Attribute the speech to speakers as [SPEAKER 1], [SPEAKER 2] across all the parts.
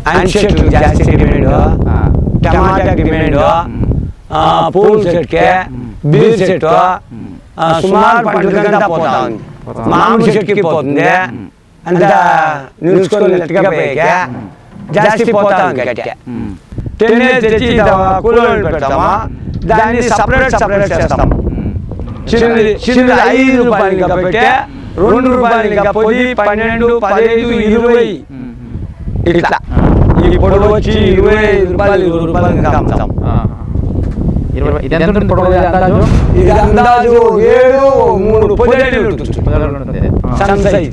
[SPEAKER 1] అంటి చెట్లు జాస్తి డిమాండ్, టమాటా డిమాండ్, పూల చెట్టుకే బీర్ చెట్టు సుమారు పంటలకంతా పోతా ఉంది. మామిడి చెట్టుకి పోతుంది, అంతా నిలుచుకొని నెట్టుగా పోయాక జాస్తి పోతా ఉంది. గట్టిగా టెన్నేజ్ తెచ్చి కూలోళ్ళు పెడతాము, దాన్ని సపరేట్ చేస్తాము. చిన్నది 5 రూపాయలు కాబట్టి 2 రూపాయలు 10, 12, 15, 20 ఇట్లా. ఈ పొడవు వచ్చి 25 రూపాయలు 20 రూపాయలు అమ్ముతాం.
[SPEAKER 2] ఇది అందాజు 7-3 పొదలు ఉంటుంది. సన్ సైజ్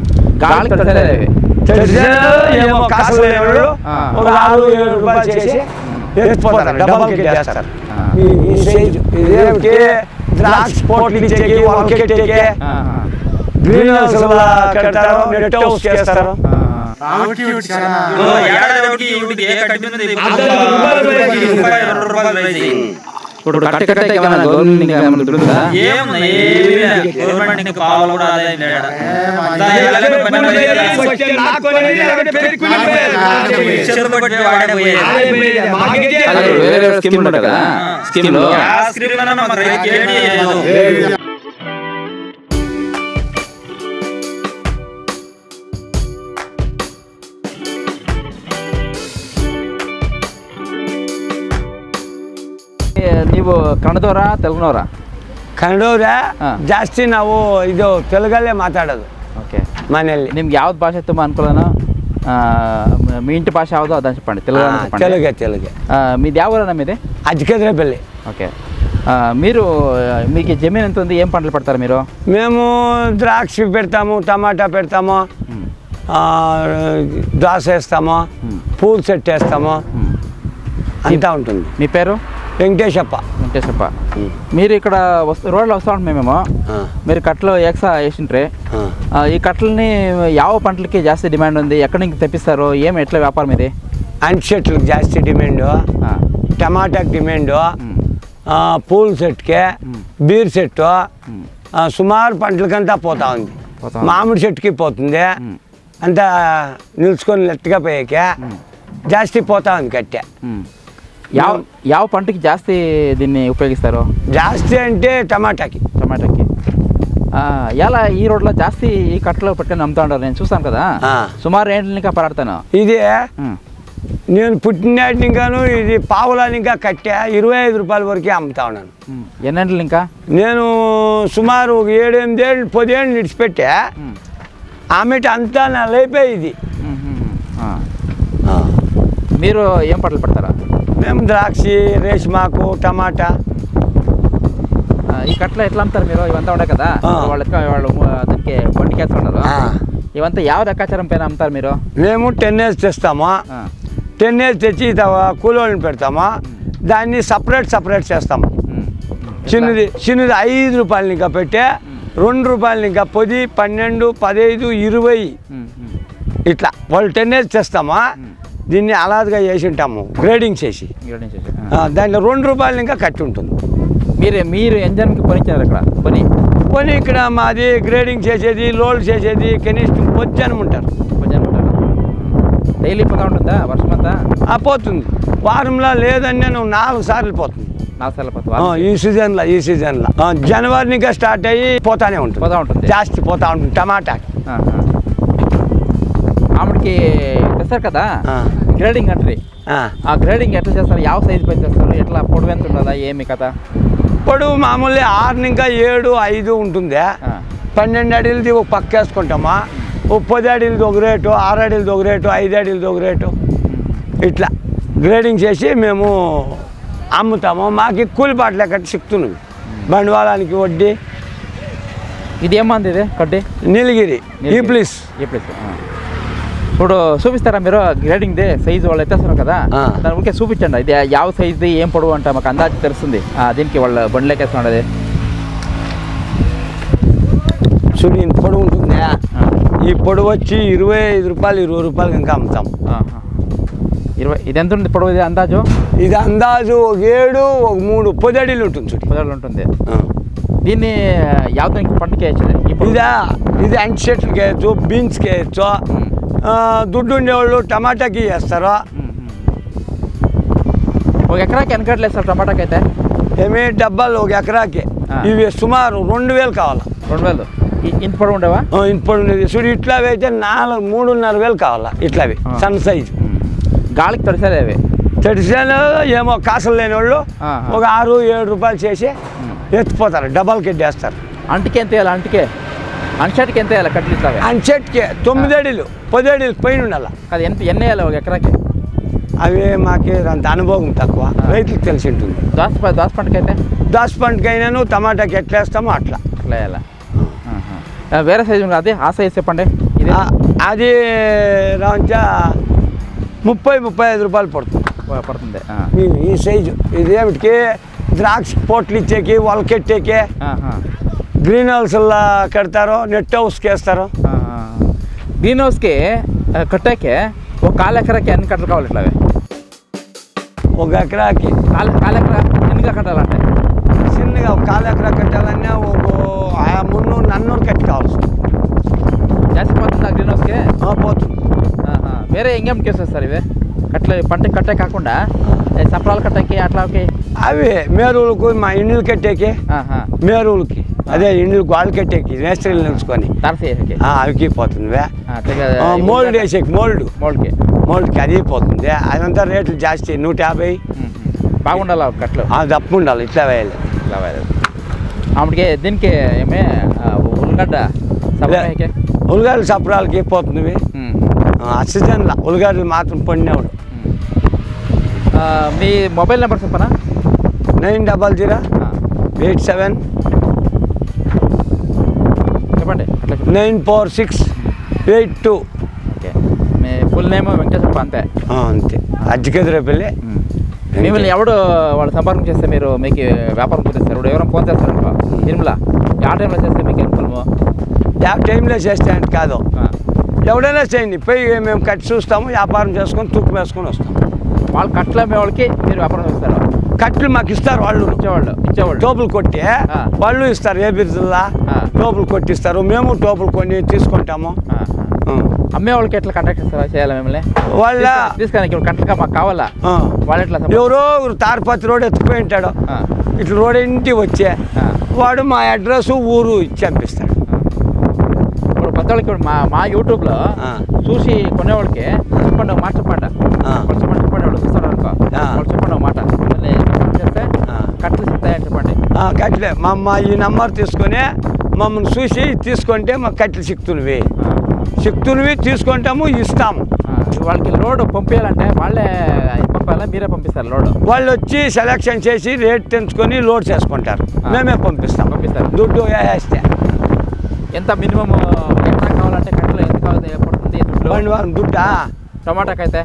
[SPEAKER 2] ఏమో కాసు లేవాడు ఒక 6-7 రూపాయలు చేసి ఎత్తిపోతారు, డబల్ కిట్ వేస్తారు. ఈ సైజు ఇదేమిటి ద్రాక్ష పోట్లు ఇచ్చేకి, వంకెట్టేకి, గ్రీన్ హౌస్ కడతారు, నెట్ హౌస్ చేస్తారు. ఇప్పుడు ನೀವು ಕನ್ನಡದವರ ತೆಲುಗುನವರ?
[SPEAKER 1] ಕನ್ನಡವ್ರೆ ಜಾಸ್ತಿ. ನಾವು ಇದು ತೆಲುಗಲ್ಲೇ ಮಾತಾಡೋದು.
[SPEAKER 2] ಓಕೆ.
[SPEAKER 1] ಮನೆಯಲ್ಲಿ
[SPEAKER 2] ನಿಮ್ಗೆ ಯಾವ್ದು ಭಾಷೆ ತುಂಬ ಅನುಕೂಲನೋ? మీ ఇంటి భాష యావదో అదని చెప్పండి.
[SPEAKER 1] తెలుగే.
[SPEAKER 2] మీది ಯಾವ ఊరు మీది?
[SPEAKER 1] అజ్జికద్రేపల్లి.
[SPEAKER 2] ఓకే. మీకు జమీన్ ఎంత ఉంది? ఏం పంటలు పెడతారు మీరు?
[SPEAKER 1] మేము ద్రాక్ష పెడతాము, టమాటా పెడతాము, దోస వేస్తాము, పూల చెట్టు వేస్తాము, అంతా ఉంటుంది.
[SPEAKER 2] మీ పేరు?
[SPEAKER 1] వెంకటేశప్ప.
[SPEAKER 2] మీరు ఇక్కడ రోడ్లో వస్తూ ఉంటాం మేమేమో. మీరు కట్టలు ఎక్సా వేసింట్రే. ఈ కట్టలని ಯಾವ పంటలకి జాస్తి డిమాండ్ ఉంది? ఎక్కడి నుంచి తెప్పిస్తారు? ఎట్లా వ్యాపారం ఇది?
[SPEAKER 1] అంటి చెట్లకు జాస్తి డిమాండ్, టమాటాకి డిమాండ్, పూల చెట్టుకే బీర్ చెట్టు సుమారు పంటలకంతా పోతా ఉంది. మామిడి చెట్టుకి పోతుంది, అంతా నిలుచుకొని నెట్టుగా పోయాక జాస్తి పోతా ఉంది. కట్టె
[SPEAKER 2] ಯಾವ పంటకి జాస్తి దీన్ని ఉపయోగిస్తారు?
[SPEAKER 1] జాస్తి అంటే టమాటాకి.
[SPEAKER 2] ఎలా ఈ రోడ్లో జాస్తి ఈ కట్టలో పెట్టుకొని అమ్ముతా ఉంటారు, నేను చూస్తాను కదా. సుమారు ఏంటి ఇంకా పరాడతాను
[SPEAKER 1] ఇది నేను పుట్టినాటి ఇంకాను ఇది పావులాని ఇంకా కట్టా 25 రూపాయల వరకే అమ్ముతా ఉన్నాను.
[SPEAKER 2] ఎన్నేళ్ళు ఇంకా?
[SPEAKER 1] నేను సుమారు 7-8 ఏళ్ళు 10 ఏళ్ళు నిడిచిపెట్టా. ఆమెటి అంతా నా లైఫే ఇది.
[SPEAKER 2] మీరు ఏం పంటలు పెడతారా?
[SPEAKER 1] మేము ద్రాక్షి, రేష్మాకు, టమాటా.
[SPEAKER 2] ఈ కట్టలో ఎట్లా అమ్ముతారు మీరు? ఇవంతా ఉండే కదా, వాళ్ళు దానికి బండికి వేస్తున్నారు. ఇవంతా ಯಾವ లెక్కాచారం పైన అమ్ముతారు మీరు?
[SPEAKER 1] మేము 10 ఏజ్ తెస్తాము, 10 ఏజ్ తెచ్చి కూలోళ్ళని పెడతాము, దాన్ని సపరేట్ చేస్తాము. చిన్నది 5 రూపాయలు ఇంకా పెట్టే 2 రూపాయలు ఇంకా 10, 12, 15, 20 ఇట్లా వాళ్ళు 10 ఏజ్ తెస్తామా. దీన్ని అలాదుగా చేసి ఉంటాము, గ్రేడింగ్ చేసి దాంట్లో 2 రూపాయలు ఇంకా కట్టి ఉంటుంది.
[SPEAKER 2] మీరు ఎంజన్కి పనిచ్చారు ఇక్కడ?
[SPEAKER 1] పని ఇక్కడ మాది గ్రేడింగ్ చేసేది, లోడ్ చేసేది, కనీసం పొద్దునం ఉంటారు.
[SPEAKER 2] డైలీ పోతా ఉంటుందా వర్షం అంతా?
[SPEAKER 1] పోతుంది. వారంలో లేదని నేను 4 సార్లు పోతుంది.
[SPEAKER 2] 4 సార్లు పోతా
[SPEAKER 1] ఈ సీజన్లో జనవరి ఇంకా స్టార్ట్ అయ్యి పోతానే ఉంటుంది. జాస్తి పోతా ఉంటుంది. టమాటా
[SPEAKER 2] మామిడికి తెస్తారు కదా, గ్రేడింగ్ అంటారు. ఆ గ్రేడింగ్ ఎట్లా చేస్తారు? ಯಾವ సైజు పైన చేస్తారు? ఎట్లా పొడవు ఎంత ఉంటుందా? ఏమి కథ?
[SPEAKER 1] పొడవు మామూలు 6 ఇంకా 7, 5 ఉంటుంది. 12 అడుగులది ఒక పక్క వేసుకుంటామా. ఒక 10 అడుగులది ఒక రేటు, 6 అడుగులది ఒక రేటు, 5 అడుగులది ఒక రేటు, ఇట్లా గ్రేడింగ్ చేసి మేము అమ్ముతాము. మాకు కూలి పాటలు కట్టి సిక్కుతున్నాయి, బండవాళానికి వడ్డీ.
[SPEAKER 2] ఇది ఏమంది? ఇది కడ్డీ
[SPEAKER 1] నీలగిరి ఈ ప్లీస్.
[SPEAKER 2] ఇప్పుడు చూపిస్తారా మీరు గ్రేడింగ్ సైజు? వాళ్ళు ఎత్తేస్తున్నారు కదా, దాని ఊరికే చూపించండి. ఇది ಯಾವ సైజుది, ఏం పొడవు అంటే మాకు అందాజు తెలుస్తుంది. దీనికి వాళ్ళు బండ్లేకేస్తున్నది
[SPEAKER 1] చూడు. ఇంత పొడవు ఉంటుంది. ఈ పొడవు వచ్చి 25 రూపాయలు 20 రూపాయలకి ఇంకా అమ్ముతాం.
[SPEAKER 2] 20. ఇది ఎంత ఉంది పొడవు? ఇది అందాజు?
[SPEAKER 1] ఇది అందాజు 7, 3, 10 అడుగులు ఉంటుంది. చూడు
[SPEAKER 2] 10 అడుగులు ఉంటుంది. దీన్ని యావదానికి పంటకి వేయచ్చు?
[SPEAKER 1] ఇది అంటి చెట్లకి వేయచ్చు, బీన్స్కి వేయచ్చు,
[SPEAKER 2] దుడ్డు ఉండేవాళ్ళు టమాటాకి వేస్తారు.
[SPEAKER 3] ఒక ఎకరాకి ఎన్ని కట్టలు వేస్తారు టమాటాకి అయితే?
[SPEAKER 2] ఏమి డబ్బాలు ఒక ఎకరాకి ఇవి సుమారు 2000 కావాలి.
[SPEAKER 3] 2000 ఇంత పొడవు ఉండేవా?
[SPEAKER 2] ఇప్పుడు చూడు ఇట్లావి అయితే 3,500 కావాలా. ఇట్లావి సన్ సైజు
[SPEAKER 3] గాలికి తడిసారు అవి.
[SPEAKER 2] తడిసాను ఏమో కాసులు లేని వాళ్ళు ఒక 6-7 రూపాయలు చేసి ఎత్తిపోతారు, డబ్బాలకి వేస్తారు.
[SPEAKER 3] అంటికి ఎంత వేయాలి? అంచెట్కి ఎంత వేయాలి కట్టలు ఇట్లా?
[SPEAKER 2] అంచెట్కి 9 అడుగులు 10 అడుగులు పైన ఉండాలి.
[SPEAKER 3] అది ఎన్ని వేయాలి ఒక ఎకరాకి?
[SPEAKER 2] అవి మాకు అంత అనుభవం తక్కువ, రైతులకు తెలిసి ఉంటుంది.
[SPEAKER 3] దోస పంటకి అయితే?
[SPEAKER 2] దోస పంటకైనాను టమాటాకి ఎట్లా వేస్తామో అట్లా
[SPEAKER 3] వేయాలా. వేరే సైజు అది ఆ సైజ్ చెప్పండి. ఇది
[SPEAKER 2] అది రాంచా 30-35 రూపాయలు
[SPEAKER 3] పడుతుంది.
[SPEAKER 2] ఈ సైజు ఇదేమిటికి ద్రాక్ష పోట్లు ఇచ్చేకి వలకెట్టేకి గ్రీన్ హౌస్లా కడతారు, నెట్ హౌస్కి వేస్తారు.
[SPEAKER 3] గ్రీన్ హౌస్కి కట్టాకే ఒక 1/4 ఎకరాకి ఎన్ని కట్టలు కావాలి? ఇట్లా
[SPEAKER 2] ఒక ఎకరాకి
[SPEAKER 3] 1/4 ఎకరా చిన్నగా కట్టాలంటే?
[SPEAKER 2] చిన్నగా ఒక 1/4 ఎకరా కట్టాలన్నా ఒక 300-400 కట్టి కావాల్సి
[SPEAKER 3] జాస్తి పోతుందా గ్రీన్ హౌస్కి?
[SPEAKER 2] పోతుంది.
[SPEAKER 3] వేరే ఇంకేం కేసేస్తారు ఇవి కట్టలు? పంటకి కట్టే కాకుండా సపరాలు కట్టకి అట్లాకి
[SPEAKER 2] అవి మేరువులకు మా ఇండ్లు కట్టేకి, మేరువులకి అదే ఇండ్లు గోడలు కట్టేకి మేస్త్రీలు నిలుచుకొని అవికి పోతుంది. మోల్డ్ వేసేకి మోల్డ్కి అది పోతుంది. అదంతా రేట్లు జాస్తి 150.
[SPEAKER 3] బాగుండాలి కట్టలు,
[SPEAKER 2] తప్పు ఉండాలి. ఇట్లా వేయాలి.
[SPEAKER 3] ఆమెకి దీనికి ఏమే
[SPEAKER 2] ఉల్లిగడ్డలు సపరాలకి పోతుంది. సీజన్లో ఉల్లిగడ్డలు మాత్రం పండినవాడు.
[SPEAKER 3] మీ మొబైల్ నెంబర్ చెప్పనా?
[SPEAKER 2] 900-87
[SPEAKER 3] చెప్పండి.
[SPEAKER 2] 94682.
[SPEAKER 3] ఓకే. మీ ఫుల్ నేమ్ వెంకటేశ్వర అంతే?
[SPEAKER 2] అంతే. అజ్జికెదురేపల్లి.
[SPEAKER 3] మిమ్మల్ని ఎవడు వాళ్ళు సంపర్కం చేస్తే మీరు మీకు వ్యాపారం కుదిస్తారు? ఇప్పుడు ఎవరైనా ఫోన్ చేస్తారు నిర్మల, ఆ టైంలో చేస్తే మీకు అనుకూలము?
[SPEAKER 2] టైంలో చేస్తే అంటే కాదు, ఎవడైనా చేయండి. పోయి మేము కట్టి చూస్తాము, వ్యాపారం చేసుకొని తూకం వేసుకొని వస్తాము.
[SPEAKER 3] వాళ్ళు కట్టలు అమ్మే వాళ్ళకి మీరు వ్యాపారం చేస్తారు?
[SPEAKER 2] కట్టలు మాకు ఇస్తారు, వాళ్ళు ఇచ్చేవాళ్ళు టోపులు కొట్టి వాళ్ళు ఇస్తారు. ఏ బిర్జిల్లా టోపులు కొట్టిస్తారు, మేము టోపులు కొని తీసుకుంటాము.
[SPEAKER 3] అమ్మే వాళ్ళకి ఎట్లా కాంటాక్ట్ చేయాలి మిమ్మల్ని?
[SPEAKER 2] వాళ్ళ
[SPEAKER 3] తీసుకొని కట్టలుగా మాకు కావాలా? వాళ్ళు ఎట్లా?
[SPEAKER 2] ఎవరో తారపతి రోడ్ ఎత్తుకుపోయి ఉంటాడు, ఇట్లా రోడ్ ఇంటికి వచ్చే వాడు మా అడ్రస్ ఊరు ఇచ్చి పంపిస్తాడు.
[SPEAKER 3] ఇప్పుడు కొత్త వాళ్ళకి మా యూట్యూబ్లో చూసి కొనేవాళ్ళకి చెప్పండి మాట, చెప్పండి వాళ్ళు చూస్తారు అనుకో, వాళ్ళు చెప్పండి మాట చేస్తే కట్టలు చెప్తాయని చెప్పండి.
[SPEAKER 2] కట్టలే మా ఈ నెంబర్ తీసుకొని మమ్మల్ని చూసి తీసుకుంటే మాకు కట్టెలు సిక్తునివి తీసుకుంటాము, ఇస్తాము.
[SPEAKER 3] వాళ్ళకి లోడ్ పంపించాలంటే వాళ్ళే పంపాలా మీరే పంపిస్తారు? లోడ్
[SPEAKER 2] వాళ్ళు వచ్చి సెలెక్షన్ చేసి రేట్ తెంచుకొని లోడ్ చేసుకుంటారు, మేమే పంపిస్తారు. దుడ్డు వేస్తే
[SPEAKER 3] ఎంత మినిమం ఎట్లా కావాలంటే కట్టలు ఎంత కావాలి పడుతుంది
[SPEAKER 2] దుడ్డా?
[SPEAKER 3] టమాటాకి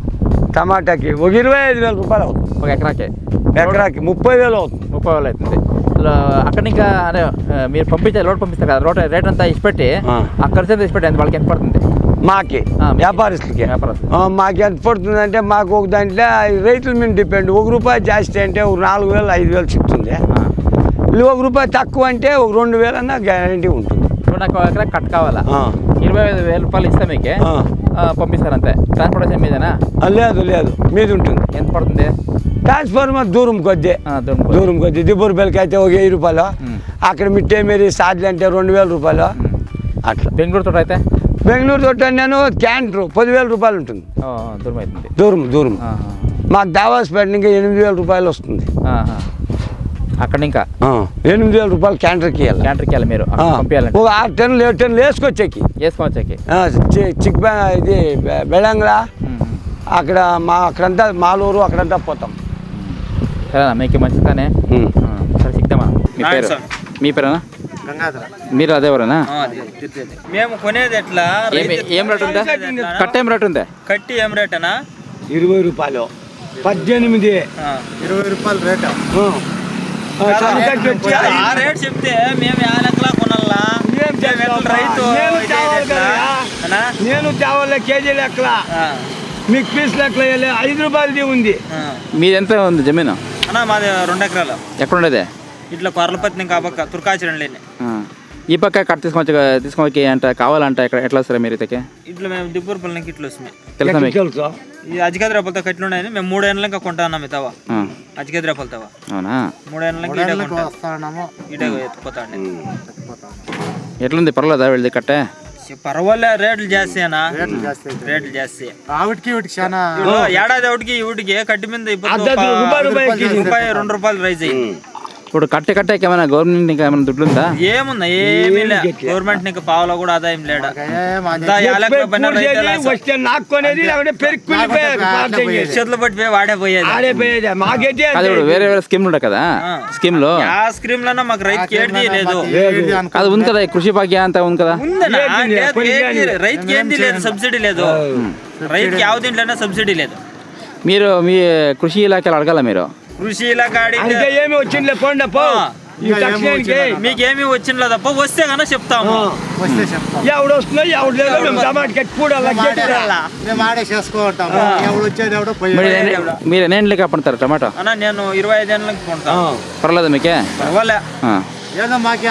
[SPEAKER 2] 25,000 రూపాయలు అవుతుంది.
[SPEAKER 3] ఒక ఎకరాకి
[SPEAKER 2] 30,000 అవుతుంది.
[SPEAKER 3] 30,000 అవుతుంది. అక్కడ ఇంకా అదే మీరు లోడ్ పంపిస్తారు కదా, రేట్ అంతా ఇచ్చిపెట్టి ఆ ఖర్చు అంతా ఇచ్చిపెట్టి వాళ్ళకి ఎంత పడుతుంది?
[SPEAKER 2] మాకి వ్యాపారస్తులకి మాకు ఎంత పడుతుంది అంటే, మాకు ఒక దాంట్లో రేట్ల మీద డిపెండ్. ₹1 జాస్తి అంటే ఒక 4,000-5,000 చెప్తుంది. ₹1 తక్కువ అంటే ఒక 2,000 అన్నా గ్యారంటీ ఉంటుంది.
[SPEAKER 3] ఇప్పుడు నాకు ఎకరా కట్ కావాలా? 25,000 రూపాయలు ఇస్తే మీకే పంపిస్తారు అంతే? ట్రాన్స్పోర్టేషన్ మీదేనా?
[SPEAKER 2] లేదు మీద ఉంటుంది.
[SPEAKER 3] ఎంత పడుతుంది?
[SPEAKER 2] ట్రాన్స్ఫార్మర్ దూరం కొద్ది దిబ్బూరుపల్లికి అయితే ఒక 1000 రూపాయలు, అక్కడ మిట్టే మీరు సాధ్యం అంటే 2,000 రూపాయలు అట్లా.
[SPEAKER 3] బెంగళూరు తోట అయితే?
[SPEAKER 2] బెంగళూరు తోట నేను క్యాంటర్ 10,000 రూపాయలు ఉంటుంది.
[SPEAKER 3] దూరం అవుతుంది.
[SPEAKER 2] దూరం మాకు దావాస్పేట ఇంకా 8,000 రూపాయలు వస్తుంది.
[SPEAKER 3] అక్కడ ఇంకా
[SPEAKER 2] 8,000 రూపాయలు క్యాంటర్కి
[SPEAKER 3] వెళ్ళాలి మీరు పంపించాలంటే?
[SPEAKER 2] ఒక 6 టన్నులు 7 టన్నులు వేసుకొచ్చేకి ఇది బెళంగ్లా అక్కడ అక్కడంతా మాలూరు అక్కడంతా పోతాం.
[SPEAKER 3] సరేనా, మీకు మంచిదానే. సరే సిక్తామా. మీ పేరేనా? మీరు అదేవరేనా?
[SPEAKER 4] మేము కొనేది ఎట్లా?
[SPEAKER 3] ఏం రేట్ ఉందా? కట్ట ఏం రేట్ ఉందా?
[SPEAKER 4] కట్టి ఏం రేట్ అనా?
[SPEAKER 2] 20 రూపాయలు 18
[SPEAKER 4] 20 రూపాయలు రేట్. రేట్ చెప్తే మేము ఆ లెక్కలా కొనాలా? రైతు
[SPEAKER 2] నేను తేవాలే కేజీ లెక్కల, మీకు పీస్ లెక్కల 5 రూపాయలది ఉంది.
[SPEAKER 3] మీది ఎంత ఉంది జమీను
[SPEAKER 4] అన్నా? మాది 2 ఎకరాలు.
[SPEAKER 3] ఎక్కడ ఉండేది?
[SPEAKER 4] ఇట్లా కొర్లపత్ని కాబక్క తుర్కాచరం లేని
[SPEAKER 3] ఈ పక్క కట్ తీసుకోవచ్చు అంటే కావాలంటే ఇక్కడ ఎట్లా వస్తారా మీరు ఇతకి
[SPEAKER 4] ఇట్లా మేము దిబ్బూరుపల్లికి ఇట్లా వస్తున్నాయి
[SPEAKER 3] తెలుసా మీకు
[SPEAKER 1] తెలుసు
[SPEAKER 4] ఈ అజికేద్రాపలతో కట్లు ఉన్నాయని మేము 3 ఏళ్ళ ఇంకా కొంటాన్నాం ఈ తవ అజికేద్రాపల తవ
[SPEAKER 3] అవునా
[SPEAKER 4] 3 ఏళ్ళ ఇటే ఎత్తుకుపోతాండి
[SPEAKER 3] ఎట్లుంది పర్వాలేదా వెళ్ళి కట్టే
[SPEAKER 4] పర్వాలే రేట్లు జాస్తి అనా రేట్లు జాస్తి ఏడాది ఒకటికి కట్టి మీద రూపాయి 2 రూపాయలు రైజ్ అయింది
[SPEAKER 3] ఇప్పుడు కట్టేకి ఏమైనా గవర్నమెంట్ ఇంకా ఏమైనా దుడ్లు ఉందా
[SPEAKER 4] ఏముందా ఏమీ లే గవర్నమెంట్ నీకు పావులో కూడా ఆదాయం లేడా చేతులు పట్టిపోయి వాడే పోయేది
[SPEAKER 3] అది ఇప్పుడు వేరే వేరే స్కీమ్లు ఉంటాయి కదా స్కీమ్ లో
[SPEAKER 4] ఆ స్కీమ్ లో మాకు రైతుకి ఏది లేదు
[SPEAKER 3] అది ఉంది కదా కృషి భాగ్య అంతా ఉంది కదా
[SPEAKER 4] రైతుకి ఏంది లేదు సబ్సిడీ లేదు రైతుకి యావ దీంట్లోనే సబ్సిడీ లేదు
[SPEAKER 3] మీరు మీ కృషి ఇలాఖలు అడగాల మీరు
[SPEAKER 4] కృషి ఇలాఖ
[SPEAKER 1] ఏమి వచ్చింది పోండి పో
[SPEAKER 4] మీకేమి వచ్చిందో తప్ప వస్తే కన్నా చెప్తాము
[SPEAKER 1] ఎవడు వస్తున్నా ఎవడు లేదు మేము టమాటా కట్టి
[SPEAKER 3] మీరు ఎన్ని ఏళ్ళకి అప్పుడతారు టమాటో
[SPEAKER 4] అన్న నేను 25 ఏళ్ళకి కొంటాను
[SPEAKER 3] పర్లేదు మీకే
[SPEAKER 4] పర్వాలే
[SPEAKER 2] ఏదో మాకే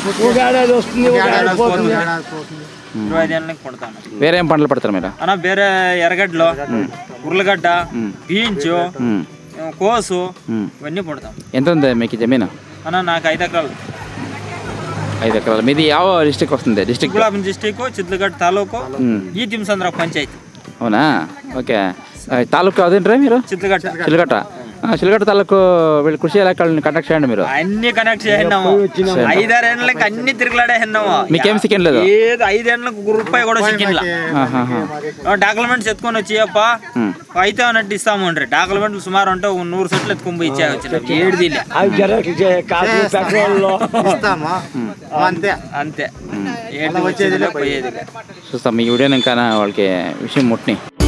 [SPEAKER 4] 25 ఏళ్ళకి కొంటాను
[SPEAKER 3] వేరే ఏం పంటలు పడతారు మీరు
[SPEAKER 4] అన్న వేరే ఎర్రగడ్డలు ఉర్లగడ్డ బీన్స్ కోసు ఇవన్నీ పడతాం
[SPEAKER 3] ఎంత ఉంది మీకు జమీను
[SPEAKER 4] అన్న నాకు 5 ఎకరాలు
[SPEAKER 3] 5 ఎకరాలు మీది ಯಾವ డిస్ట్రిక్ట్ వస్తుంది డిస్ట్రిక్ట్
[SPEAKER 4] గులాబం డిస్ట్రిక్ట్ చిత్లగడ్డ తాలూకు ఈ తిమ్సంద్ర పంచాయతీ
[SPEAKER 3] అవునా ఓకే తాలూకు అదేంట్రా మీరు చిలకట్ట చిలకట్ట తాలూకు వీళ్ళు కృషి ఇలాఖల్ని కాంటాక్ట్ చేయండి మీరు
[SPEAKER 4] అన్ని కనెక్ట్ చేసినాము 5-6 ఏళ్ళకి అన్ని తిరుగులాడేసినాము
[SPEAKER 3] మీకేం సిక్కింది లేదు
[SPEAKER 4] ఏదో 5 ఏళ్ళకి రూపాయి కూడా సిక్కిండ్లా డాక్యుమెంట్స్ ఎత్తుకొని వచ్చి అప్ప అయితే అన్నట్టు ఇస్తాము అంటే డాక్యుమెంట్లు సుమారు అంటే 100 సెట్లు ఎత్తుకొని పోయి ఇచ్చా వచ్చిన ఏడుది అంతే ఏడు వచ్చేది పోయేది
[SPEAKER 3] చూస్తాం మీ వీడియోని ఇంకా వాళ్ళకి విషయం ముట్టిని